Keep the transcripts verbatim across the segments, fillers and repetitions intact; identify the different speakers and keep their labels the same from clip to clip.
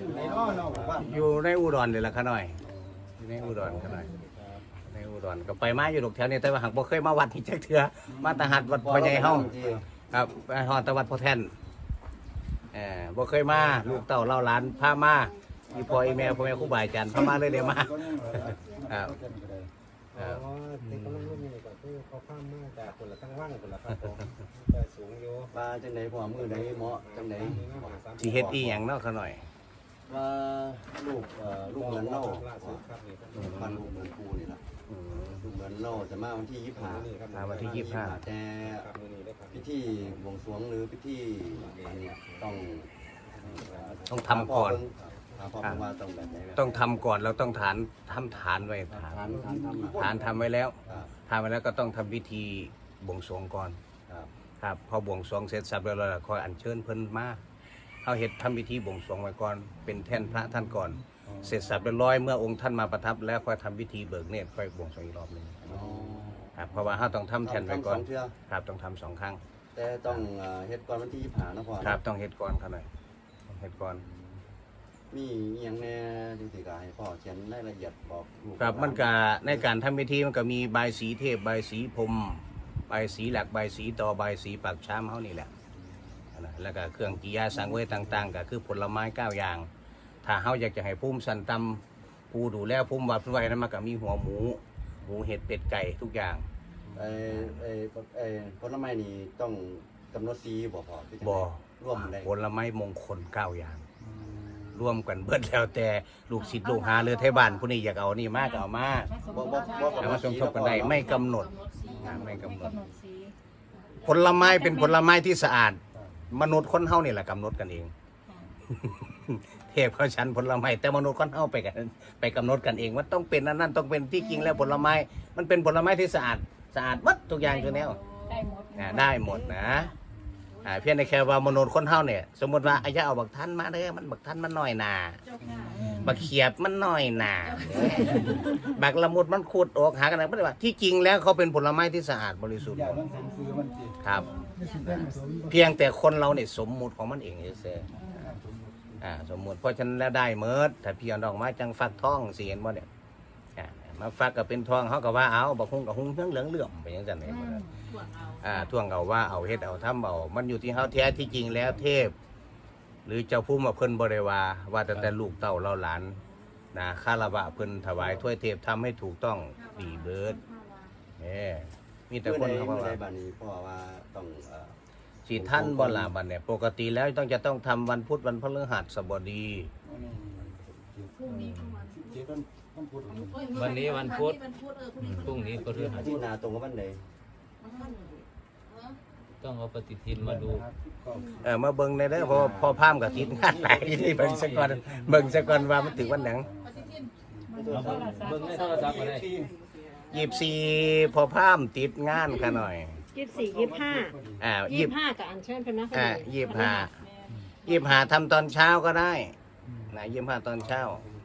Speaker 1: อยู่ในอุดรเลยล่ะขน่อยอยู่ในอุดรขน่อยในอุดรก็ไปมาอยู่ดอกแถวนี้แต่ว่าหากบ่เคยมาวัดที่จักเทื่อมาตะหัดวัดพ่อใหญ่เฮาครับไปฮอดตะวัดพ่อแท่นเออบ่เคยมาลูกเต้าเล่าหลานพามาอีพ่ออีแม่พ่อแม่ครูบาอาจารย์พามาเลยเด้มาครับครับ
Speaker 2: อ๋อในกำลังรุ่นนี้ก็คือเขาข้ามมาจากคนละทั้งว่างคนละครับผมแต่สูงอยู่
Speaker 3: ว่าจังไหนพอมือไหนเหมาะจังไหน
Speaker 1: สิเฮ็ดอีหยังเนาะขน่อย
Speaker 3: ว่าลูกเอ่อลูกเหมือนเล่า
Speaker 2: ล่าสุดครับนี่ครับ
Speaker 3: พันลูกเหมือนครูนี่แหละ
Speaker 1: อืม
Speaker 3: ลูกเหมือนเล่าจะมาวันที่ยี่สิบห้า
Speaker 2: นี่ครับ
Speaker 1: มาวันที่ยี่สิบห้า
Speaker 3: แต่
Speaker 2: ครับมือนี้ได้ครับ
Speaker 3: พิธีบวงสรวงหรือพิธีอันนี้ต้อง
Speaker 1: ต้องทำก่อน
Speaker 3: ถามพ่อผมว่าต้องแบบไหนแบบ
Speaker 1: ต้องทำก่อนเราต้องฐานทำฐานไว้ฐาน
Speaker 3: ทานทานทำ
Speaker 1: ฐานทำไว้แล้ว
Speaker 3: ครับ
Speaker 1: ทำไว้แล้วก็ต้องทำพิธีบวงสรวงก่อน
Speaker 3: ครับ
Speaker 1: ครับพอบวงสรวงเสร็จสับแล้วเราคอยอัญเชิญเพิ่นมาเอาเฮ็ดทำพิธีบวงสรวงไว้ก่อนเป็นแท่นพระท่านก่อน เสร็จสับเรียบร้อยเมื่อองค์ท่านมาประทับแล้วค่อยทำพิธีเบิกเนตรค่อยบวงสรวงอีกรอบหนึง
Speaker 3: อ๋อ
Speaker 1: ครับเพราะว่าเราต้องทำแท่นไว้ก่อน
Speaker 3: ทำสงเทื่อ
Speaker 1: ครับต้องทำสองครั้ง
Speaker 3: แต่ต้องเอ่อเฮ็ดก่อนวันที่ยี่สิบห้านะพ่อ
Speaker 1: ครับต้องเฮ็ดก่อนครับหน่อยต้องเฮ็ดก่อน
Speaker 3: มีอหย่างแน่ที่สิกาให้พ่อเขียนรายละเอียดบอกลูก
Speaker 1: ครับมันก็ในการทำพิธีมันก็มีใบายสีเทพใบายสีพรหมใบายสีหลักใบายสีต่อใบายสีปากช้ำเฮานี่แหละนะแล้วก็เครื่องกิยาสังเวยต่างๆก็คือผลไม้เก้าอย่าง ถ้าเฮาอยากจะให้ภูมิสันตำผู้ดูแลภูมิวัดไว้นั้นมันก็มีหัวหมูหมูเห็ดเป็ดไก่ทุกอย่าง
Speaker 3: ไอ้ไอ้ไอ้ผลไม้นี่ต้องกำหนดสีบ่พอที่จะ
Speaker 1: บ่
Speaker 3: ร่วมได้
Speaker 1: ผลไม้มงคลเก้าอย่าง ร่วมกันเบิดแล้วแต่ลูกศิษย์ลูกหาเรือไทยบ้านผู้นี้อยากเอานี่มากก็เอามา
Speaker 3: บ่บ่บ่
Speaker 1: เอามาสมทบกันได้ไม่กำหนดนะไม่กำหนด ผลไม้เป็นผลไม้ที่สะอาด มนุษย์คนเฮานี่แหละกำหนดกันเอง เทพเขาชั้นผลไม้แต่มนุษย์คนเฮาไปกันไปกำหนดกันเองว่าต้องเป็นอันนั้นต้องเป็นที่จริงแล้วผลไม้มันเป็นผลไม้ที่สะอาดสะอาดวัดทุกอย่างอยู่แล้ว
Speaker 4: ได้หมด
Speaker 1: อ่าได้หมดนะอ่าเพียงแต่แค่ว่ามนุษย์คนเฮาเนี่ยสมมติว่าอายะเอาบักท่านมาเด้อมันบักท่านมันน้อยหนา
Speaker 4: เจ้าค่ะ
Speaker 1: บักเขียบมันน้อยหนาบักละมุดมันขุดออกหากันนะไม่ได้ว่าที่จริงแล้วเขาเป็นผลไม้ที่สะอาดบริสุทธิ์หมดครับ เพียงแต่คนเราเนี่ยสมมุติของมันเองเฉยๆอ่าสมมุติเพราะฉะนั้นแล้วได้เมิดถ้าพี่เอาดอกไม้จังฟักทองสิเห็นบ่เนี่ยอ่ามาฟักก็เป็นทองเขาก็ว่าเอาบักฮุ้งกับฮุ้งเหลืองเหลืองเหลื่อมไปอย่างนั้นเอง
Speaker 4: ถ่วงเอา
Speaker 1: อ่าท่วงเอาว่าเอาเฮ็ดเอาทำเอามันอยู่ที่เฮาแท้ที่จริงแล้วเทพ หรือเจ้าผู้มาเพิ่นบ่ได้ว่าว่าแต่แต่ลูกเต้าเราหลานนะคารวะเพิ่นถวายถ้วยเทพทำให้ถูกต้องดีเบิดแหมมีแต่
Speaker 3: เมื่อ
Speaker 1: คน
Speaker 3: ใด
Speaker 1: เขา
Speaker 3: เมื่อใด
Speaker 1: ว่า
Speaker 3: บัดนี้พ่อว่าต้องเอ่อ
Speaker 1: สิท่านบ่ล่ะบัดเนี่ยปกติแล้วต้องจะต้องทำวันพุธวันพฤหัสบดี
Speaker 4: พรุ่งนี้วันพุธ
Speaker 5: วันนี้วันพุธ
Speaker 4: วันพุธเออพรุ่งนี้
Speaker 5: พรุ่งนี้พฤหั
Speaker 3: อา
Speaker 5: ส
Speaker 3: ทิตย์หน้าตรงกับวันใด
Speaker 4: วันพุธเออ
Speaker 5: ต้องเอาปฏิทินมาดู
Speaker 1: เออมาเบิ่งได้เด้อเพราะว่าพอพามกับติดงานหลายนี่เบิ่งซะก่อนเบิ่งซะก่อนว่ามันถึงวันหนัง
Speaker 4: ปฏิทิน
Speaker 5: เอาเบิ่งในโทรศัพท์ก็ได้
Speaker 1: ยี่สิบสี่พอพามติดงานค่ะหน่อย
Speaker 6: ยี่สิบสี่ยี่สิบห้า
Speaker 1: อ่า
Speaker 6: ยี่
Speaker 1: ยี่
Speaker 6: สิบห้ากับอันเชิญเป็นนัก
Speaker 1: อ่ายี่สิบห้ายี่สิบห้าทำตอนเช้าก็ได้นะยี่สิบห้าตอนเช้า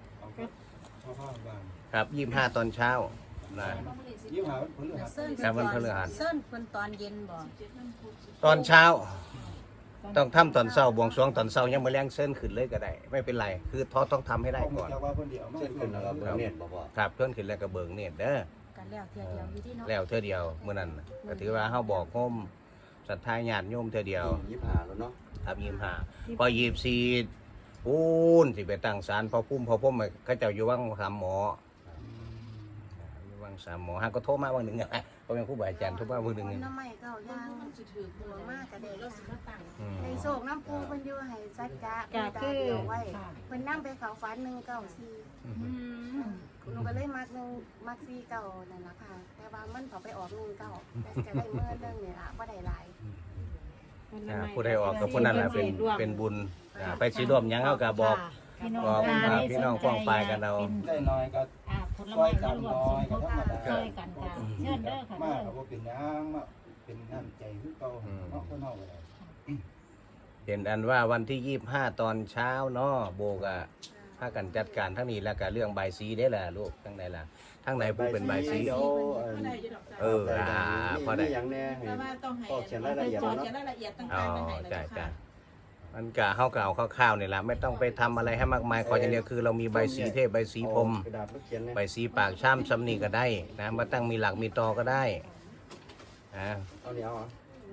Speaker 1: ครับยี่สิบห้าตอนเช้านะ
Speaker 7: เซิร์น
Speaker 1: ครับวันพฤหัส
Speaker 7: เซิร์นคนตอนเย็นบ่
Speaker 1: ตอนเช้า ต้องทำตอนเช้าบวงสรวงตอนเช้ายังมาแรงเส้นขึ้นเลยก็ได้ ไม่เป็นไร คือทอต้องทำให้ได้ก่อน
Speaker 3: เช่นขึ้นแล้วก็เบิ่งเน็ตบ่พ่อ
Speaker 1: ครับเพื่อนขึ้นแล้วก็เบิกเนตรเด้อ
Speaker 7: กันแล้วเทียเดียวอยู่ที่เนาะ
Speaker 1: แล้วเท่าเดียวเมื่อนั้นน่ะก็ถือว่าเฮาบอกโฮมศรัทธาญาติโยมเท่าเดียว
Speaker 3: ยี่สิบห้าแล้วเนาะ
Speaker 1: ครับยี่สิบห้าพอยี่สิบสี่ปูนสิไปตั้งศาลพอพุ่มพอพุ่มเขาเจ้าอยู่วังสามหมออยู่วังสามหมอฮะก็โทรมาวันหนึ่งอ่ะเพราะเป็นครูบาอาจารย์โทรมาวันหนึ่ง
Speaker 7: น้ำใหม่เก่าย่าง
Speaker 4: มันจะถือ
Speaker 7: หัวมากกระเด็น
Speaker 4: เราสิมาตั้ง
Speaker 1: อืม
Speaker 7: ในโศกน้ำปูเพิ่นอยู่ให้สัจจะเพิ่นตาเดียวไว้เพิ่นนั่งไปเขาฝันหนึ่งเก้าสี่หนูก็เลยมักหนึ่งมักสี่เก้านั่นล่ะค่ะ แต่ว่ามันเขาไปออกหนึ่งเก้าแต่จะได้เมื่อเรื่องนี่ล่ะบ่ได้หลาย
Speaker 1: อ่าผู้ใดออกกับผู้นั้นแหละเป็นเป็นบุญอ่าไปสิร่วมหยังเขาก็บอก
Speaker 6: พี่น้อง
Speaker 1: บอก
Speaker 6: ตา
Speaker 1: อ่าพี่น้องฟ้องปลายกันเอา
Speaker 8: ได้น้อยก็
Speaker 6: อ่าผลไม้มารวมสมทบช่วยกันค่ะเชิญเด้อค่ะ
Speaker 8: มากก็บ่เป็นหยังมาเป็นน้ำใจคือเก่าเนาะคนเฮาก็ได้
Speaker 1: เป็นอันว่าวันที่ยี่สิบห้าตอนเช้าเนาะโบกอะพากันจัดการทั้งนี้แล้วก็เรื่องใบายสีได้แหละลูกทั้งไหนล่ะทั้งไหนผู้เป็นใบายสี
Speaker 3: เดี๋ยว
Speaker 4: ไม่ได้จะดอกจ้า
Speaker 1: เอออ่าพอได้
Speaker 3: มีอย่างแน่ให้
Speaker 4: แต่ว่าต้องให้
Speaker 3: พ่อเขียนรายละเอียด
Speaker 4: พ่อ
Speaker 3: เนาะ
Speaker 4: เขียนรายละเอียดต่า
Speaker 1: อ๋อง
Speaker 4: ๆให้
Speaker 1: จ้า
Speaker 4: เลย
Speaker 1: จ้า
Speaker 4: ค่ะ
Speaker 1: อมันกะเฮาก็เอาคร่าวๆนี่ล่ะไม่ต้องไปทำอะไรให้มากมายขออย่างเดียวคือเรามีใบสีเทพใบสีพรหม
Speaker 3: กระดาษมาเขียนเนี่ย
Speaker 1: ใบสีปากช้ำซ้ำนี่ก็ได้นะมาตั้งมีหลักมีตอก็ได้นะ
Speaker 3: เอาเนี่ยเอาเหรอ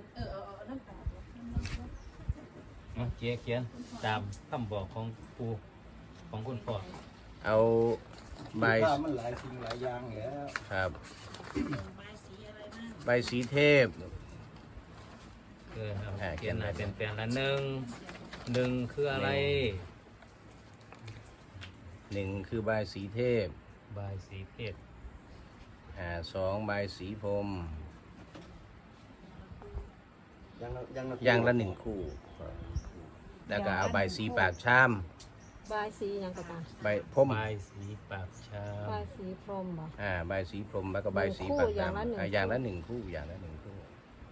Speaker 5: เอาเขียนเขียนตามคำบอกของครูของคุณพ่อ
Speaker 1: เอาใบ
Speaker 8: ข้ามันหลายสิ่งหลายอย่างแล้ว
Speaker 1: ครับใบสีเทพ
Speaker 5: เออครับ
Speaker 1: อ่า
Speaker 5: เขียนหน่อย
Speaker 1: เขียนหน่อย
Speaker 5: เป็นแปลนละหนึ่งหนึ่งคืออะไร
Speaker 1: หนึ่งคือใบสีเทพ
Speaker 5: บายสีเพชร
Speaker 1: อ่าสองใบสีพรหม
Speaker 3: ยังละยังละ
Speaker 1: อย่างละหนึ่งคู่ แล้วก็เอาใบสีปากช้
Speaker 6: บายสีหยังก็ตาม
Speaker 1: ำใบพรหม
Speaker 5: บายสีปากชา
Speaker 6: บายสีพรหมบ่
Speaker 1: อ่าใบสีพรหมแล้วก็ใบสีปากช้ำอ่าอย่างละหนึ่งคู่อย่างละหนึ่งคู่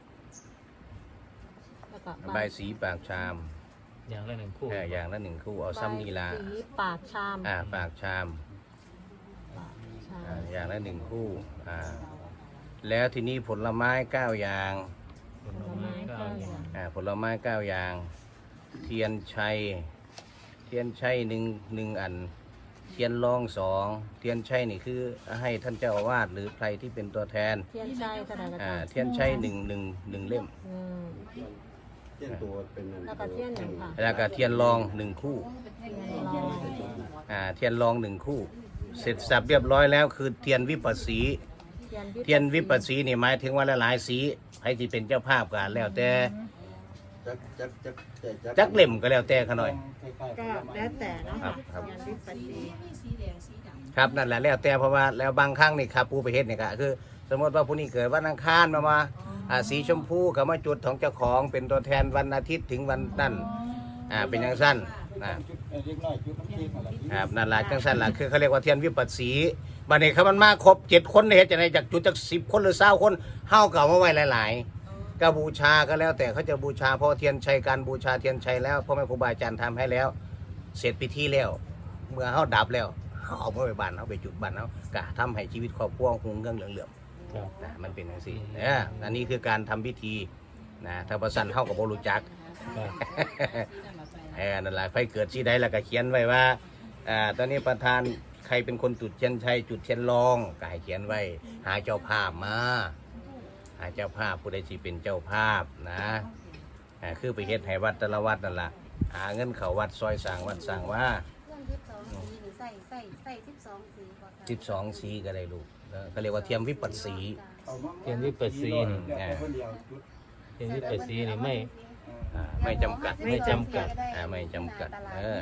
Speaker 6: แล้วก็
Speaker 1: ใบสีปากชาม
Speaker 5: อย่างละหนึ่งคู่
Speaker 1: อ่าอย่างละหนึ่งคู่เอาซ้ำนีลา
Speaker 6: บายสีปากชาม
Speaker 1: อ่าปากชาม
Speaker 6: ปากชา
Speaker 1: อ่าม อย่างละหนึ่งคู่อ่าแล้วทีนี้ผลไม้เก้าอย่าง
Speaker 5: ผลไม้เก้าอย่าง
Speaker 1: อ่าผลไม้เก้าอย่าง เทียนชัยเทียนชัยหนึ่งหนึ่งอัน เทียนรองสองเทียนชัยนี่คือให้ท่านเจ้าอาวาสหรือใครที่เป็นตัวแทน
Speaker 6: เทียนชัยเท่าไหร่ก็
Speaker 1: อ่า
Speaker 6: ตาม
Speaker 1: เทียนชัยหนึ่งหนึ่งหนึ่งเล่ม
Speaker 6: อืม
Speaker 3: เขียนตัวเป็นอัน
Speaker 6: แล้วก็เทียนหนึ่งค่ะ
Speaker 1: แล้วก็เทียนรองหนึ่งคู่
Speaker 6: เทียนรอง
Speaker 1: อ่าเทียนรองหนึ่งคู่ เสร็จสับเรียบร้อยแล้วคือเทียนวิปัสสี เทียนวิปัสสีนี่หมายถึงว่าหลายๆสีให้ที่เป็นเจ้าภาพกันแล้วแต่
Speaker 3: จักจักจักจัก
Speaker 1: จักเล่มก็แล้วแต่ขน่อย
Speaker 8: คล้ายๆผ
Speaker 6: ก็
Speaker 8: ลไม้
Speaker 6: แล้วแต่เนาะ
Speaker 1: ครับ
Speaker 6: ค่ะ
Speaker 1: ครับ
Speaker 6: เทียนวิปัสสี
Speaker 1: ครับนั่นแหละแล้วแต่เพราะว่าแล้วบางครั้งนี่ครับผู้ไปเฮ็ดเนี่ยก็คือ สมมติว่าผู้นี้เกิดวันอังคารมามาอ่าสีชมพูก็มาจุดของเจ้าของเป็นตัวแทนวันอาทิตย์ถึงวันนั่นอ่าเป็นอย่างสั้นนะ
Speaker 8: จุดเล็กน้อยจุดน้ำเค้กอะไรที่
Speaker 1: ครับนั่นแหละจังสั้นล่ะคือเขาเรียกว่าเทียนวิปัสสีบัดนี้เขามันมาครบเจ็ดคนเนี่ยเฮ็ดจะไหนจากจุดจากสิบคนหรือเศร้าคนเฮาเก่ามาไว้หลายๆก็บูชาก็แล้วแต่เขาจะบูชาเพราะเทียนชัยการบูชาเทียนชัยแล้วพ่อแม่ครูบาอาจารย์ทำให้แล้ว เสร็จพิธีแล้ว เมื่อเฮาดับแล้วเฮาเอาไปบ้านเฮาไปจุดบ้านเฮากะทำให้ชีวิตครอบครัวหุงเรื่องเหลือง
Speaker 5: ครับ
Speaker 1: ๆนะมันเป็นจังซี่เอออันนี้คือการทำพิธีนะถ้าบ่ซั่นเฮาก็บ่รู้จัก
Speaker 5: ครับ
Speaker 1: เออนั่นแหละไฟเกิดที่ใดแล้วก็เขียนไว้ว่าอ่าตอนนี้ประธานใครเป็นคนจุดเทียนชัยจุดเทียนรองก็ให้เขียนไว้ หาเจ้าภาพมาหาเจ้าภาพผู้ใดที่เป็นเจ้าภาพนะอ่าคือไปเฮ็ดให้วัดแต่ละวัดนั่นแหละหาเงินเขาวัดซอยสร้างวัดสร้างว่า
Speaker 7: เครื่องสิบสองสีนี่ใส่ใส่ใส่สิบสองสีบ่ค่ะ
Speaker 1: สิบสองสีก็ได้ลูกเออเขาเรียกว่าเทียมวิปัสสี
Speaker 8: เอามา
Speaker 5: เทียนวิปัสสีนี่
Speaker 8: แล้วแต่คนเดียวจุด
Speaker 5: เทียนวิปัสสีนี่ไม่
Speaker 1: อ่าไม่จำกัด
Speaker 5: ไม่จำกัด
Speaker 1: อ่าไม่จำกัดเออ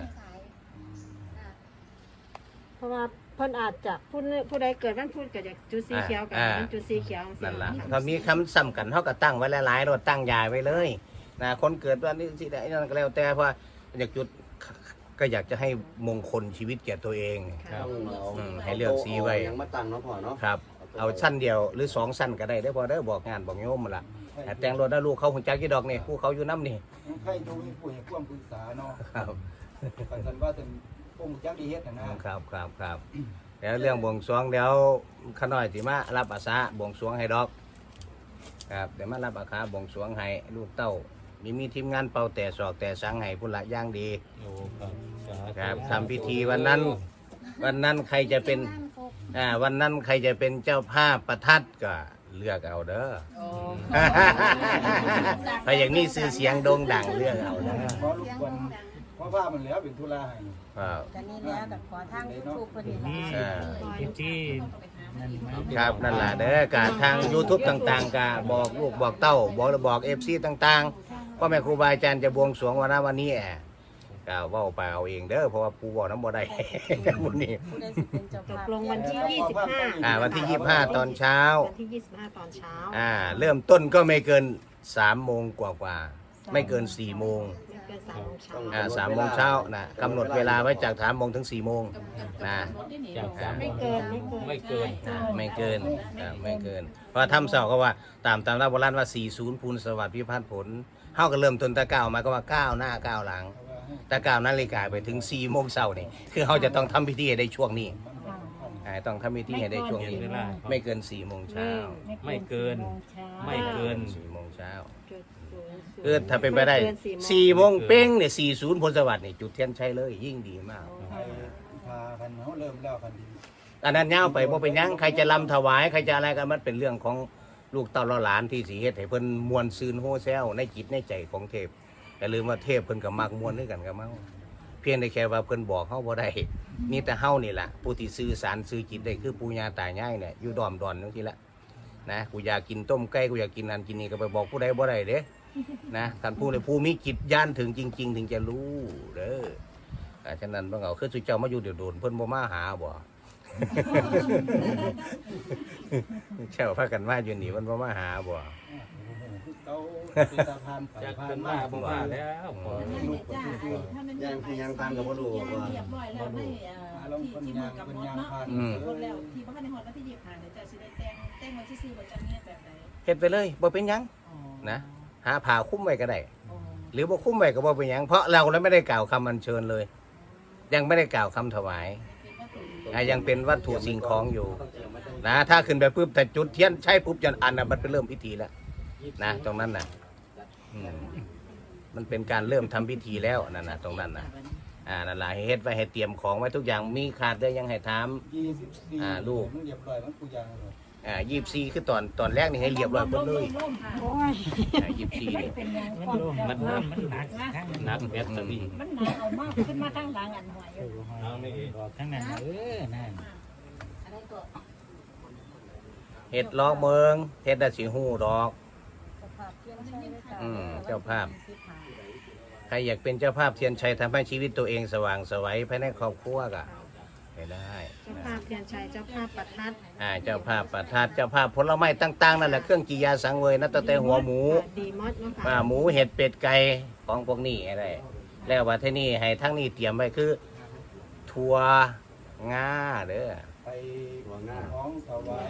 Speaker 6: เพราะว่าเพิ่นอาจจะผู้นึผู้ใดเกิดวันพุธก็จะจุดสีเขียวกับเป็นจุดสีเขียว
Speaker 1: นั่นล่ะถ้ามีคำซ้ำกันเขาก็ตั้งไว้หลายๆรถตั้งยายไว้เลยนะคนเกิดวันนี้สิได้นั่นก็แล้วแต่เพราะว่าอยากจุดก็อยากจะให้มงคลชีวิตแก่ตัวเอง
Speaker 5: ครับ
Speaker 3: ต้องเอา
Speaker 1: อืมให้เลือกสีไว้
Speaker 3: ยังมาตั้งเนาะพ่อเนาะ
Speaker 1: ครับ เอาสั้นเดียวหรือสองสั้นก็ได้ได้อพอได้อบอกงานบอกโยมมาละแต่แต่งรถได้ลูกเขาหุ่นจักกี่ดอกนี่ผู้เขาอยู่น้ำนี่
Speaker 8: ใครดูให้ผู้ให้ความปรึกษาเนาะ
Speaker 1: ครับ
Speaker 8: กันสันว่าเป็นองค์จักดีเฮ็ดนะนะครับ
Speaker 1: ครับครับแล้วเรื่องบวงสรวงเดี๋ยวขน้อยสิมารับอาสาบวงสรวงให้ดอก ครับเดี๋ยวมารับอาคาบวงสรวงให้ลูกเต้ามีมีทีมงานเป่าแต่ศอกแต่สังให้พุ่นละอย่างดี
Speaker 5: โอ้ครับสาธุ
Speaker 1: ครับทำพิธีวันนั้น วันนั้นใครจะเป็นอ่าวันนั้นใครจะเป็นเจ้าภาพประทัดก็เลือกเอาเด้อถ้าอย่างนี้ซื้อเสียงโด่งดังเลือกเอาเด้อ
Speaker 8: เพราะลูกวันเพราะว่ามันแล้วเป็นธุระให้
Speaker 1: ครับ
Speaker 7: กันนี้แล้วแต่ขอทางยูทูบคนนี้
Speaker 1: อ่า
Speaker 5: พิธี
Speaker 1: ครับนั่นแหละเด้อการทาง YouTube ต่างๆก็บอกลูกบอกเต้าบอกบอกเอฟซีต่างๆพ่อแม่ครูบาอาจารย์จะบวงสรวงวันนั้นวันนี้แอะก็เว้าไปเอาเองเด้อเพราะว่าปูบอกน้ำบ่ได้ บุญนี้
Speaker 7: ผู้ใดสิเป็นเจ้า
Speaker 6: ต
Speaker 7: ภาพ
Speaker 6: กลงวันที่ยี่สิบห้า
Speaker 1: อ่าวันที่ยี่สิบห้าตอนเช้า
Speaker 6: วันที่ยี่สิบห้าตอนเช้า
Speaker 1: อ่าเริ่มต้นก็ไม่เกินสามโมงกว่ากว่าๆไม่เกินสี่โมง
Speaker 6: ไม่เกินสามโมงเช้า
Speaker 1: อ่าสามโมงเช้านะกำหนดเวลาไว้จากสามโมงถึงสี่โมงนะ
Speaker 5: จากสาม
Speaker 6: ไม่เกินไม่เกิน
Speaker 5: ไม่เกิน
Speaker 1: อ่าไม่เกินอ่าไม่เกิน เพราะทำเสาก็ว่าตามตามรับโบราณว่าสี่ศูนย์พูนสวัสดิ์พิพัฒน์ผลเฮาก็เริ่มต้นแตะก้าวมาก็ว่าก้าวหน้าก้าวหลังแตะก้าวนาฬิกาไปถึงสี่โมงเช้านี่คือเฮาจะต้องทำพิธีให้ได้ช่วงนี้อ่าต้องทำพิธีให้ได้ช่วงนี้ ไม่เกินสี่โมงเช้า
Speaker 5: ไม่เกิน ไม่เกิน
Speaker 1: สี่โมงเช้า
Speaker 6: จุดศูนย์
Speaker 1: คือถ้าเป็นไปได้
Speaker 6: ม่กิน
Speaker 1: สี่โมงเป้งเนี่ยสี่ศูนย์พลสวัสดิ์นี่จุดเทียนชัยเลยยิ่งดีมาก
Speaker 8: ไปพากันเขาเริ่มแล้วกันดี
Speaker 1: อันนั้นย่าวไปบ่เป็นหยังใครจะลำถวายใครจะอะไรกันมันเป็นเรื่องของลูกเต้าหลานที่สิเฮ็ดให้เพิ่นมวลซืนโฮแซวในจิตในใจของเทพอย่าลืมว่าเทพเพิ่นก็มักมวลด้วยกันกับเมาเพียงแต่แค่ว่าเพิ่นบอกเฮาบ่ได้มีแต่เฮานี่ล่ะผู้ที่สื่อสารสื่อจิตได้คือปู่ย่าตายายเนี่ยอยู่ดอมดอนจังซี่ละนะกูอยากกินต้มไก่กูอยากกินนั่นกินนี่ก็ไปบอกผู้ใดบ่ได้เด้นะท่านผู้ใดผู้มีจิตญาณถึงจริง ๆ ถึงจะรู้เด้ออ่าฉะนั้นเบิ่งเอาคือสุเจ้ามาอยู่เดี๋ยวโดนเพิ่นบ่มาหาบ่ เช่าพากันมาอยู่นี่มันบ่มาหาบ่
Speaker 8: เต้าเป็นตาพานไป
Speaker 5: จาก
Speaker 8: พา
Speaker 5: เป็น น
Speaker 8: มา
Speaker 5: มาผมว่าแล้วพอ
Speaker 3: ยังคือยังตามกับบ่รู้ว่า
Speaker 4: เรียบร้อยแล้วไม่เอ่อที่ที่มือกำหนดเนาะหมดแล้วที่บ้านในหอดวันที่ยี่สิบห้าเนี่ยจะสิได้แต่งแต่งวันที่สี่วันจันทร์เนี่ยแบบไหน
Speaker 1: เฮ็ดไปเลยบ่เป็นหยัง
Speaker 4: อ๋อ
Speaker 1: นะหาผ้าคลุมไว้ก็ได้
Speaker 4: อ๋อ
Speaker 1: หรือบ่คลุมไว้ก็บ่เป็นหยังเพราะเราแล้วไม่ได้กล่าวคำอัญเชิญเลย ยังไม่ได้กล่าวคำถวายอ่ะยังเป็นวัตถุสิ่งของอยู่นะถ้าขึ้นไปปุ๊บแต่จุดเทียนใช้ปุ๊บจนอันน่ะมันเป็นเริ่มพิธีแล้วนะตรงนั้นน่ะอืมมันเป็นการเริ่มทำพิธีแล้วนั่นน่ะตรงนั้นน่ะอ่านั่นล่ะให้เฮ็ดไว้ให้เตรียมของไว้ทุกอย่างมีขาดได้ยังให้ถาม
Speaker 8: ยี่สิบสี่
Speaker 1: อ่าลูก
Speaker 8: มันเรียบร้อยมันกูยังเลย
Speaker 1: อ่ายี่สิบสี่คือตอนตอนแรกนี่ให้เรียบร้อยหมดเลย
Speaker 6: โอ้ย
Speaker 1: อ่ายี่สิบสี่นี่
Speaker 4: เป็นยัง
Speaker 5: มันมันมันหนักหนักแบตเตอรี่
Speaker 4: มันหนาเอามากขึ้นมาข้างหลังอันหอย
Speaker 5: เอาไม่เอง
Speaker 2: ทั้งนั้นเออนั่น
Speaker 4: อะไรก็
Speaker 1: เฮ็ดล้อเมืองเฮ็ดได้สิฮู้ดอก อืมเจ้าภาพ ใครอยากเป็นเจ้าภาพเทียนชัยทำให้ชีวิตตัวเองสว่างไสวัยภายในครอบครัวก็ไปได้
Speaker 6: เจ้าภาพเทียนชัยเจ้าภาพประทัด
Speaker 1: อ่าเจ้าภาพประทัดเจ้าภาพผลไม้ต่างๆนั่นแหละเครื่องกิยาสังเวยนับตั้งแต่หัวหมู
Speaker 6: ดีมดเนาะ
Speaker 1: อ่า
Speaker 6: ค่ะ
Speaker 1: หมูเห็ดเป็ดไก่ของพวกนี้อะไรแล้วว่าที่นี่ให้ทั้งนี้เตรียมไว้คือถั่วงาเด้อ
Speaker 8: ไปของถวาย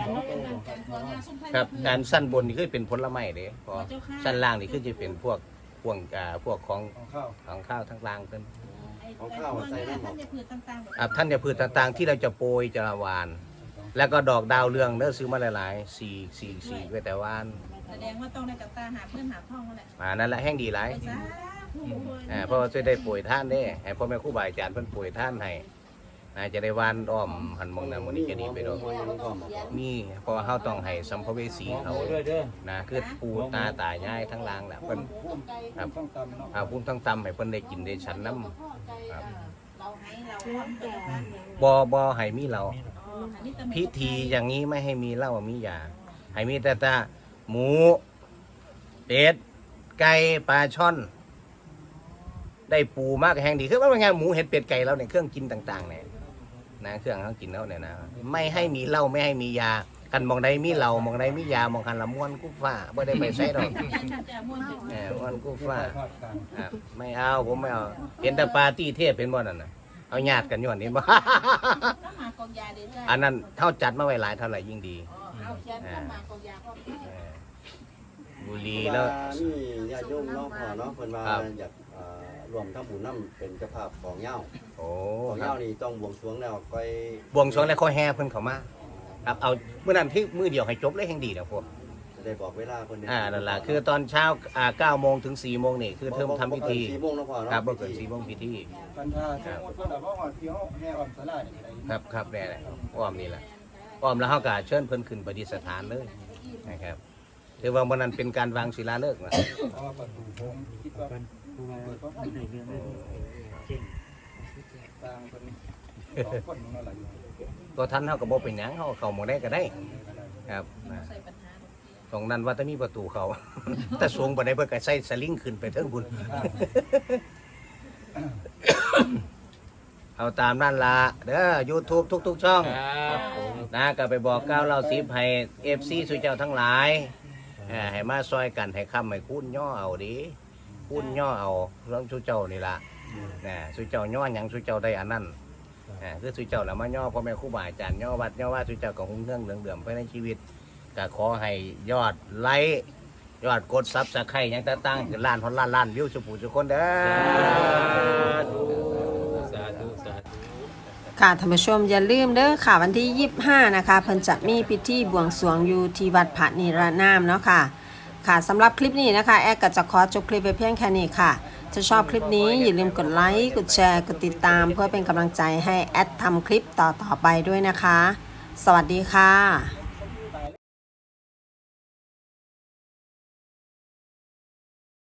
Speaker 1: ครับการสั้นบนนี่คือเป็นผลไม้เด้พอสั้นล่างนี่คือจะเป็นพวกพวกอ่าพวกของ
Speaker 8: ของข้าว
Speaker 1: ของข้าวทั้งล่างเป็น
Speaker 3: ของข้าวใส่น้ำหม
Speaker 4: ท่า
Speaker 3: ด
Speaker 4: นจะพืชต่างๆแบบ
Speaker 1: อ่าท่านจะพืชต่างๆ ที่เราจะโปรยจะวาน แล้วก็ดอกดาวเรืองเด้อซื้อมาหลายๆสี่สี่สี่ไว้แต่วาน
Speaker 4: แสดงว่าต้องได้กับตาหาเพื่อนหาพ่องนั่นแหละ
Speaker 1: อ่านั่นแหละแห้งดีหลาย
Speaker 4: ไปซะผู้คน
Speaker 1: อ่าเพราะว่าจะได้ป่วยท่านเด้ให้พ่อแม่ครูบาอาจารย์เพิ่นป่วยท่านให้น่าจะได้วานอ้อมหันมองนั้นมันนี้จะดีไปดอกมีเพราะว่าเฮาต้องให้สัมภเวสีเขา
Speaker 5: ด้วยเด้อ
Speaker 1: นะคือปูตาตายายทั้งล่างแหละเพิ่น ครับ
Speaker 8: ต้องตำเนาะ
Speaker 1: เอาพุ่มทั้งตำให้เพิ่นได้กินได้ฉันน้ำครับ
Speaker 4: เราให้เราพร้อมกันนะ
Speaker 1: บ่บ่ให้มีเรา
Speaker 4: อันนี้จะ
Speaker 1: พิธีอย่างนี้ไม่ให้มีเหล้ามียาให้มีแต่ตาหมูเป็ดไก่ปลาช่อน ได้ปูมากแห่งดีคือว่าเป็นไงหมูเห็ดเป็ดไก่เราเนี่ยเครื่องกินต่างๆเนี่ยนะเครื่องเขากินแล้วเนี่ยนะไม่ให้มีเหล้าไม่ให้มียากันมองใดมีเหล้ามองใดมียามองคันละม้วนกู้ฟ้าไม่ได้ไปใช้หรอก
Speaker 4: จะม้วนถึง
Speaker 1: แหมม้วนกู้ฟ้า
Speaker 8: ภาคกลาง
Speaker 1: อ่ะไม่เอาผมไม่เอาเห็นแต่ปาร์ตี้เทพเป็นบ่นั่นน่ะเอาญาติกันย้อนนี่บ่
Speaker 4: น้ำหมากกองยาเด้อ
Speaker 1: อันนั้นเท่าจัดมาไว้หลายเท่าไหร่ยิ่งดี
Speaker 4: เอาเขียนน้ำหมากกองยาพร้อม
Speaker 1: เออบุหรีแล้ว
Speaker 3: นี่ญาติโยมเนาะพ่อเนาะเพิ่นว่า
Speaker 1: ครับ
Speaker 3: อยากเอ่อรวมทั้งบุญน้ำเป็นเจ้าภาพของเหย้า
Speaker 1: โอ้
Speaker 3: ของ
Speaker 1: ค
Speaker 3: เห
Speaker 1: รั
Speaker 3: ย้า
Speaker 1: บ
Speaker 3: นี่ต้องบวงสรวงแล้วไป
Speaker 1: บวงสรวงแล้วเขาแห่เพิ่นเข้ามาครับเอาเมื่อนั้นที่มือเดียวให้จบเลยแห่งดีนะพวก
Speaker 3: จะได้บอกเวลาเพิ่นได้
Speaker 1: อ่านั่นล่ะคือตอนเช้าอ่าเก้าโมงถึงสี่โมงนี่คือเทิมทำพิธี
Speaker 3: สี่โมงเนาะพ่อเนาะ
Speaker 1: ครับบ่เกินสี่โมงพิธี
Speaker 8: กันทาสมมติว่าแบบว่าหอดเที่ยวแห่อ่อนสลายนี่อะไร
Speaker 1: ครับครับแน่เลยอ้อมนี่แหละอ้อมแล้วเขาก็เชิญเพิ่นขึ้นประดิษฐานเลยนะครับถือว่าวันนั้นเป็นการวางศิลาฤกษ์นะ
Speaker 8: เพราะว่าประตูโค้งคิดว่าเปิดเพราะสร้างคนสองคนนั่นแหละอยู่
Speaker 1: ตัวท่านเขาก็บอกเป็นหยังเขาก็เข้าหมองได้ก็ได้ครับนะ
Speaker 4: ใส่ปัญหา
Speaker 1: ตรงนั้นว่าจะมีประตูเขา แต่สูงไปได้เพื่อก็ใส่สลิงขึ้นไปเทิงบุญ เอาตามนั่นละเด้อ YouTube ทุก ๆ ช่อง
Speaker 5: ครับผม
Speaker 1: นะก็ไปบอกก้าวเล่าสิบให้เอฟซีสุเจ้าทั้งหลายเอ่อให้มาซอยกันให้คำให้คุ้นย่อเอาดิคุ้นย่อเอาเรื่องสุเจ้านี่ละนะสุเจ้าย่อหยังสุเจ้าได้อันนั้นอ่าคือสุเจ้าแล้วมาย่อพ่อแม่ครูบาอาจารย์ย่อวัดย่อว่าสุเจ้ากับหุ่งเรื่องเหลืองเดือมไปในชีวิตก็ขอให้ยอดไลค์ยอดกดซับสไครต์หยังต่างๆคือล้านพอนล้านล้านวิวสุผู้สุคนเด้อ
Speaker 5: สาธุสาธุ
Speaker 9: ค่ะท่านผู้ชมอย่าลืมเด้อค่ะวันที่ยี่สิบห้านะคะเพิ่นจะมีพิธีบวงสรวงอยู่ที่วัดพระนิรนามเนาะค่ะค่ะสำหรับคลิปนี้นะคะแอดก็จะขอจบคลิปไปเพียงแค่นี้ค่ะถ้าชอบคลิปนี้อย่าลืมกดไลค์กดแชร์กดติดตามเพื่อเป็นกำลังใจให้แอดทำคลิปต่อๆไปด้วยนะคะสวัสดีค่ะ